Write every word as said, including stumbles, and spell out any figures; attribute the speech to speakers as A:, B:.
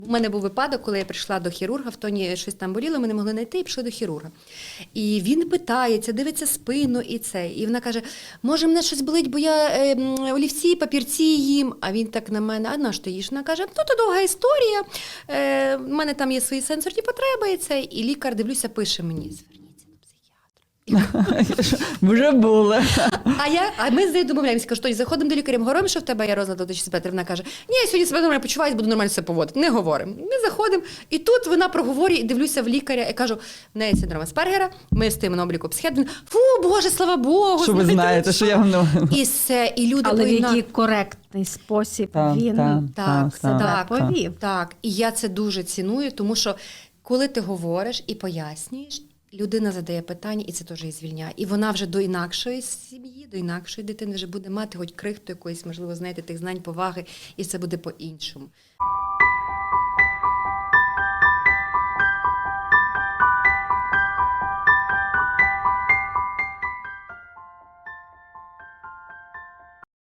A: У мене був випадок, коли я прийшла до хірурга, в тоні щось там боліло, ми не могли знайти, і пішли до хірурга. І він питається, дивиться спину і це. І вона каже, може мене щось болить, бо я е, олівці, папірці їм. А він так на мене, а на що ти їш? Вона каже, ну то довга історія, е, в мене там є свої сенсорні потреби і це. І лікар, дивлюся, пише мені, зверніться до психіатра.
B: Вже були.
A: А я, а ми з нею домовляємося, кажу, що заходимо до лікаря, говоримо, що в тебе є розлад аутичного спектру. Вона каже, ні, я сьогодні себе нормально почуваюся, буду нормально себе поводити. Не говоримо. Ми заходимо, і тут вона проговорює, і дивлюся в лікаря, і кажу, в неї синдром Аспергера, ми стоїмо на обліку психіатра. Фу, Боже, слава Богу.
B: Що ви знаєте, що я вам...
A: І все, і люди
C: Але в
A: повинна...
C: який коректний спосіб
B: Так,
C: він
B: так,
A: Так,
C: себе
A: так,
C: повів.
A: Так, і я це дуже ціную, тому що коли ти говориш і пояснюєш, людина задає питання, і це теж її звільняє. І вона вже до інакшої сім'ї, до інакшої дитини вже буде мати хоч крихту якоїсь, можливо, знаєте, тих знань, поваги, і це буде по-іншому.